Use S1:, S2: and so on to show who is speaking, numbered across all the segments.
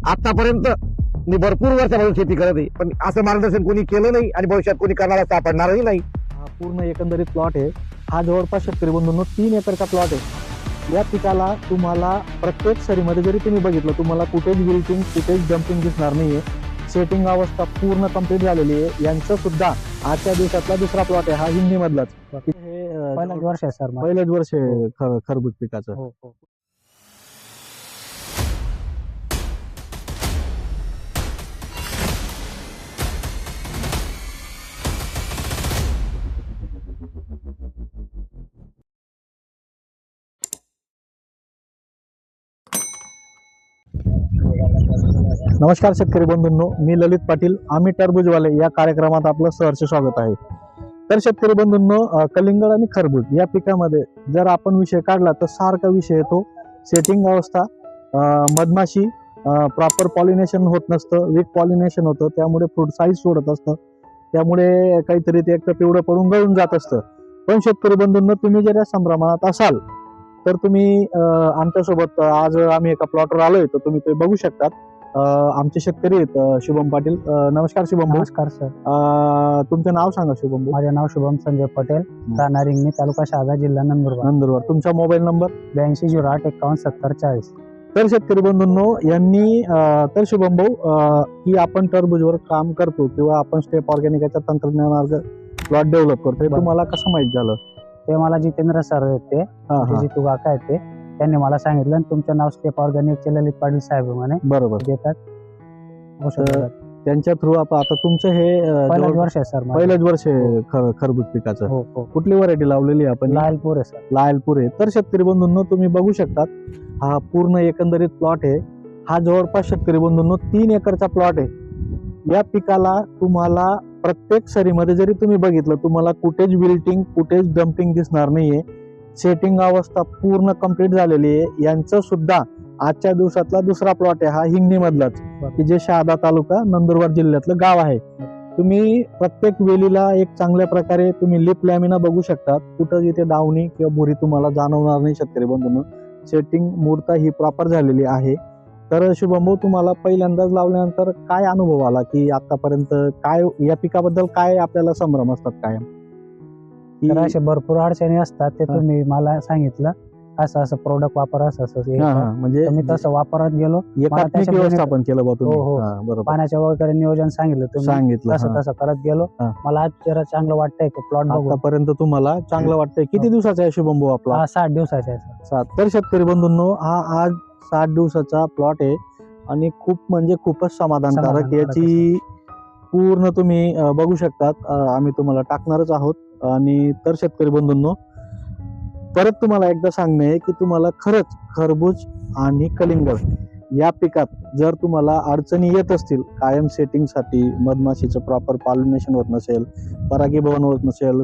S1: आतापर्यंत मी भरपूर वर्षापासून शेती करत आहे, पण असं मार्गदर्शन कोणी केलं नाही आणि भविष्यात कोणी करणारा सापडणारही नाही.
S2: हा पूर्ण एकंदरीत प्लॉट आहे. हा जवळपास शेतकरी बंधूंनो 3 एकरचा प्लॉट आहे. या पिकाला तुम्हाला प्रत्येक सरीमध्ये जरी तुम्ही बघितलं, तुम्हाला कुठेच विल्टिंग कुठेच जम्पिंग दिसणार नाहीये. सेटिंग अवस्था पूर्ण कंप्लीट झालेली आहे. यांचं सुद्धा आजच्या दिवसातला दुसरा प्लॉट आहे, हा हिंदी मधलाच. हे
S3: पहिलंच वर्ष आहे सर माझं.
S2: पहिलंच वर्ष आहे खरबूज पिकाचं.
S3: हो हो.
S2: नमस्कार शेतकरी बंधूंनो, मी ललित पाटील. आम्ही टरबूजवाले या कार्यक्रमात आपलं सहर्ष स्वागत आहे. तर शेतकरी बंधूंनो, कलिंगड आणि खरबूज या पिकामध्ये जर आपण विषय काढला तर सारखा विषय येतो. सेटिंग अवस्था, मधमाशी, प्रॉपर पॉलिनेशन होत नसतं, वीक पॉलिनेशन होतं, त्यामुळे फ्रूट साईज सोडत असतं, त्यामुळे काहीतरी ते एक तर पिवळं पडून गळून जात असतं. पण शेतकरी बंधूंनो, तुम्ही जर या संभ्रमात असाल तर तुम्ही आमच्यासोबत आज आम्ही एका प्लॉटवर आलोय, तर तुम्ही ते बघू शकतात. आमचे शेतकरी आहेत शुभम पाटील. नमस्कार शुभम भाऊ.
S3: नमस्कार सर.
S2: तुमचं नाव सांगा शुभम भाऊ.
S3: माझे नाव शुभम संजय पटेल, राहणार रिंगणी, तालुका शहादा, जिल्हा नंदुरबार.
S2: तुमचा मोबाईल नंबर
S3: 8208517040.
S2: तर शेतकरी बंधूंनो, यांनी तर शुभम भाऊ की आपण टरबूजवर काम करतो किंवा आपण स्टेप ऑर्गॅनिकाच्या तंत्रज्ञानावर प्लॉट डेव्हलप करतोय, तुम्हाला कसं माहित झालं?
S3: ते मला जितेंद्र सर आहेत, ते जितू काका आहेत, ते त्यांनी मला सांगितलं आणि तुमचं नाव स्टेप ऑर्गॅनिकचे ललित पाटील साहेब म्हणे
S2: बरोबर
S3: देतात.
S2: त्यांच्या थ्रू आता तुमचं हे
S3: पहिलंच वर्ष आहे सर माझं.
S2: पहिलंच वर्ष आहे खरबूज पिकाचं.
S3: हो हो.
S2: कुठली व्हरायटी लावलेली आहे आपण?
S3: लालपूर आहे सर.
S2: लायलपूर आहे. तर शेतकरी बंधूंनो, तुम्ही बघू शकतात, हा पूर्ण एकंदरीत प्लॉट आहे. हा जवळपास शेतकरी बंधूंनो 3 एकरचा प्लॉट आहे. या पिकाला तुम्हाला प्रत्येक सरीमध्ये जरी तुम्ही बघितलं, तुम्हाला कुठेच विल्टिंग कुठेच डम्पिंग दिसणार नाहीये. सेटिंग अवस्था पूर्ण कंप्लीट झालेली आहे. यांचं सुद्धा आजच्या दिवसातला दुसरा प्लॉट आहे, हा हिंगणी मधलाच, की जे शहादा तालुका नंदुरबार जिल्ह्यातलं गाव आहे. तुम्ही प्रत्येक वेलीला एक चांगल्या प्रकारे तुम्ही लिप लॅमिना बघू शकता. कुठं इथे डावणी किंवा भुरी तुम्हाला जाणवणार नाही शेतकरी बंधूंनो. सेटिंग मूर्ता ही प्रॉपर झालेली आहे. तर शुभम भाऊ, तुम्हाला पहिल्यांदाच लावल्यानंतर काय अनुभव आला, की आतापर्यंत काय या पिकाबद्दल काय आपल्याला संभ्रम असतात कायम?
S3: तर असे भरपूर अडचणी असतात, ते तुम्ही मला सांगितलं असं असं प्रोडक्ट वापर असं असं हे कर.
S2: म्हणजे
S3: मी तसं वापरत गेलो.
S2: एकात्मिक
S3: त्याच्यामध्ये-
S2: व्यवस्थापन केलं बा तुम्ही.
S3: हो, हो.
S2: बरोबर
S3: पाण्याच्या वगैरे नियोजन सांगितलं तुम्ही,
S2: सांगितलं.
S3: तसं तसं करत गेलो.
S2: हा.
S3: मला आज जरा चांगलं वाटतंय की प्लॉट बघून.
S2: आतापर्यंत तुम्हाला चांगलं वाटतंय. किती दिवसाचा आहे शुभम भाऊ आपला?
S3: हा 60 दिवसाचा आहे सर.
S2: 7. तर शेतकरी बंधूंनो, हा आज 60 दिवसाचा प्लॉट आहे आणि खूप म्हणजे खूपच समाधानकारक.
S3: समाधानकारक
S2: याची पूर्ण तुम्ही बघू शकतात. आम्ही तुम्हाला टाकणारच आहोत. आणि तर शेतकरी बंधूंनो, परत तुम्हाला एकदा सांगणे आहे की तुम्हाला खरंच खरबूज आणि कलिंगड या पिकात जर तुम्हाला अडचणी येत असतील, कायम सेटिंगसाठी मधमाशीचं प्रॉपर पॉलिनेशन होत नसेल, परागीभवन होत नसेल,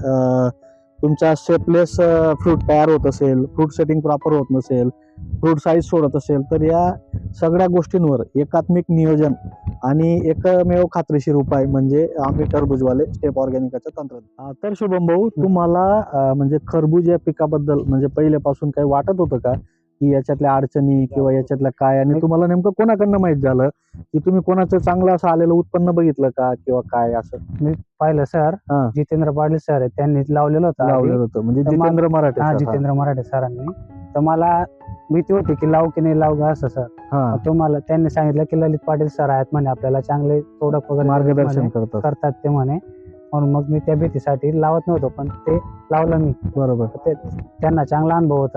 S2: तुमचा शेपलेस फ्रूट तयार होत असेल, फ्रूट सेटिंग प्रॉपर होत नसेल, फ्रूट साईज सोडत असेल, तर या सगळ्या गोष्टींवर एकात्मिक नियोजन आणि एकमेव खात्रीशीर उपाय म्हणजे आम्ही टरबूजवाले स्टेप ऑर्गॅनिकाचं तंत्रज्ञान. तर शुभम भाऊ, तुम्हाला म्हणजे खरबूज या पिकाबद्दल म्हणजे पहिल्यापासून काही वाटत होतं का, की याच्यातल्या अडचणी किंवा याच्यातल्या काय, आणि तुम्हाला नेमकं कोणाकडनं माहित झालं, की तुम्ही कोणाचं चांगलं असं आलेलं उत्पन्न बघितलं का किंवा काय असं?
S3: मी पाहिलं सर,
S2: हा.
S3: जितेंद्र पाटील सर आहेत, त्यांनी लावलेलं होतं
S2: लावलेलं होतं म्हणजे
S3: तर
S2: जितेंद्र मराठे
S3: हा,
S2: sir.
S3: जितेंद्र मराठे सरांनी. तर मला भीती होती की लावू की नाही लावू का असं सर.
S2: हा.
S3: तुम्हाला त्यांनी सांगितलं की ललित पाटील सर आहेत म्हणे, आपल्याला चांगले प्रोडक्ट वगैरे
S2: मार्गदर्शन
S3: म्हणे
S2: करतात.
S3: ते म्हणे. म्हणून मग मी त्या भीतीसाठी लावत नव्हतो, पण ते लावलं मी.
S2: बरोबर.
S3: ते त्यांना चांगला अनुभव होता.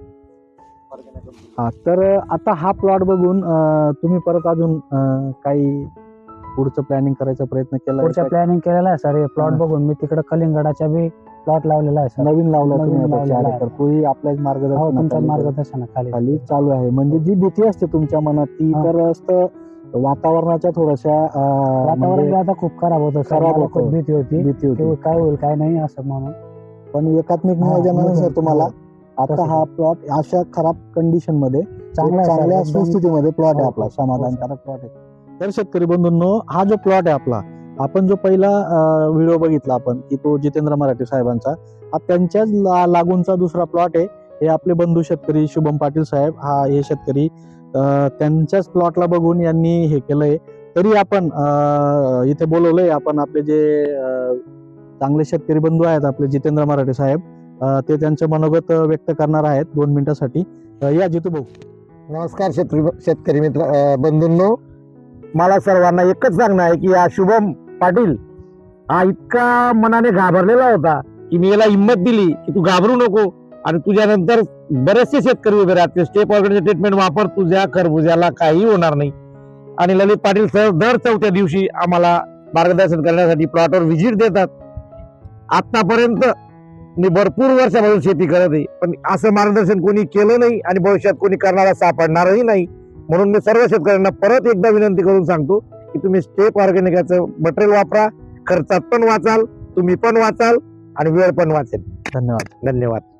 S2: हा. तर आता हा प्लॉट बघून तुम्ही परत अजून काही पुढचं प्लॅनिंग करायचा प्रयत्न केला?
S3: पुढच्या प्लॅनिंग केलेला आहे सर. हे प्लॉट
S2: हा.
S3: बघून मी तिकडे कलिंगडाच्या बी प्लॉट लावलेला आहे सर.
S2: नवीन लावला
S3: नवीन
S2: तुम्ही आता
S3: लावलेला
S2: 4
S3: आहे.
S2: एकर. तोही आपल्याच
S3: हो, तुमच्या
S2: मार्गदर्शनाखाली
S3: मार्गदर्शनाखाली.
S2: खाली चालू आहे. म्हणजे जी भीती असते तुमच्या मनात ती
S3: हा.
S2: तर असतं वातावरणाच्या थोड्याशा
S3: वातावरण
S2: म्हणजे
S3: आता खूप खराब होतं सर.
S2: खराब
S3: मला
S2: होतं.
S3: खूप भीती होती
S2: भीती होती.
S3: की काय होईल काय नाही असं म्हणून.
S2: पण एकात्मिक
S3: हा,
S2: नियोजनानुसार
S3: नियोजन.
S2: तुम्हाला
S3: हो.
S2: आता
S3: तसं
S2: हा प्लॉट अशा खराब कंडिशन मध्ये
S3: चांगला आहे सर,
S2: चांगल्या
S3: एकदम.
S2: सुस्थितीमध्ये प्लॉट आहे
S3: हो,
S2: आपला,
S3: हो,
S2: समाधानकारक प्लॉट आहे. तर शेतकरी बंधूंनो, हा जो प्लॉट आहे आपला, आपण जो पहिला व्हिडिओ बघितला आपण की तो जितेंद्र मराठे साहेबांचा, हा त्यांच्याच लागूनचा दुसरा प्लॉट आहे. हे आपले बंधू शेतकरी शुभम पाटील साहेब, हा हे शेतकरी त्यांच्याच प्लॉटला बघून यांनी हे केलंय. तरी आपण इथे बोलवलंय आपण आपले जे चांगले शेतकरी बंधू आहेत आपले जितेंद्र मराठे साहेब, ते त्यांचे मनोगत व्यक्त करणार आहेत 2 मिनिटासाठी. या जितू भाऊ.
S1: नमस्कार शेतकरी मित्र बंधूंनो, मला सर्वांना एकच सांगणं आहे की हा शुभम पाटील हा इतका मनाने घाबरलेला होता की मी याला हिंमत दिली की तू घाबरू नको, आणि तुझ्यानंतर बरेचसे शेतकरी उभे राहते, स्टेप ऑर्गॅनिक ट्रीटमेंट वापर, तुझ्या खरबुज्याला काही होणार नाही. आणि ललित पाटील सर दर 4थ्या दिवशी आम्हाला मार्गदर्शन करण्यासाठी प्लॉटवर व्हिजिट देतात. आतापर्यंत मी भरपूर वर्षापासून शेती करत आहे, पण असं मार्गदर्शन कोणी केलं नाही आणि भविष्यात कोणी करणारा सापडणारही नाही. म्हणून मी सर्व शेतकऱ्यांना परत एकदा विनंती करून सांगतो की तुम्ही स्टेप ऑर्गॅनिकाचं मटेरियल वापरा, खर्चात पण वाचाल, तुम्ही पण वाचाल आणि वेळ पण वाचेल.
S2: धन्यवाद.
S1: धन्यवाद.